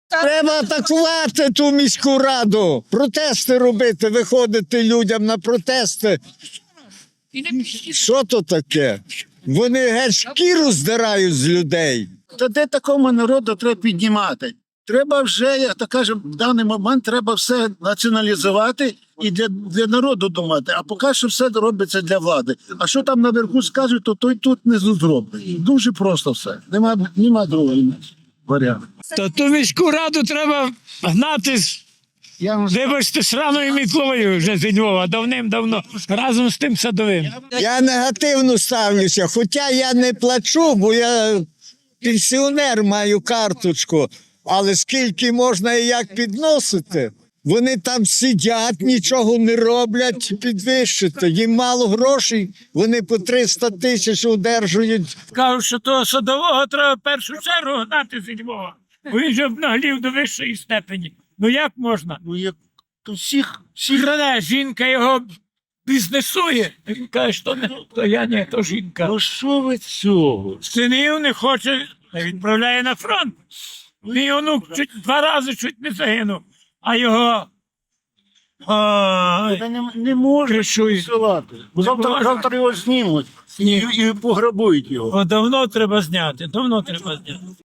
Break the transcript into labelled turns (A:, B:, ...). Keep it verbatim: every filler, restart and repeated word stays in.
A: Треба атакувати ту міську раду, протести робити, виходити людям на протести. Що то таке? Вони геть шкіру здирають з людей.
B: Та де такому народу треба піднімати? Треба вже, як то кажемо, в даний момент треба все націоналізувати і для, для народу думати. А поки що все робиться для влади. А що там наверху скажуть, то той тут не зробить. Дуже просто все. Нема, нема другого варіанту.
C: То ту міську раду треба гнати, з,
B: Я вам
C: вибачте, сраною мітлою вже зі Львова, давним-давно, разом з тим садовим.
A: Я негативно ставлюся, хоча я не плачу, бо я пенсіонер, маю карточку. Але скільки можна і як підносити? Вони там сидять, нічого не роблять, підвищити. Їм мало грошей, вони по триста тисяч одержують.
C: Кажуть, що того садового треба в першу чергу гнати зі Львова. Бо він же обнаглів до вищої степені. Ну як можна?
B: ну, як то всіх, всіх
C: Краде, жінка його бізнесує. І він каже, що не, то я не, то жінка.
B: ну що ви цього?
C: Синів не хоче, відправляє на фронт. Мій онук чуть, два рази чуть не загинув, а його... Ой,
B: Та не, не може
C: кришує.
B: посилати. Бо завтра,
C: можна.
B: завтра його знімуть і,
C: Ні.
B: і пограбують його.
C: О, давно треба зняти, давно треба зняти.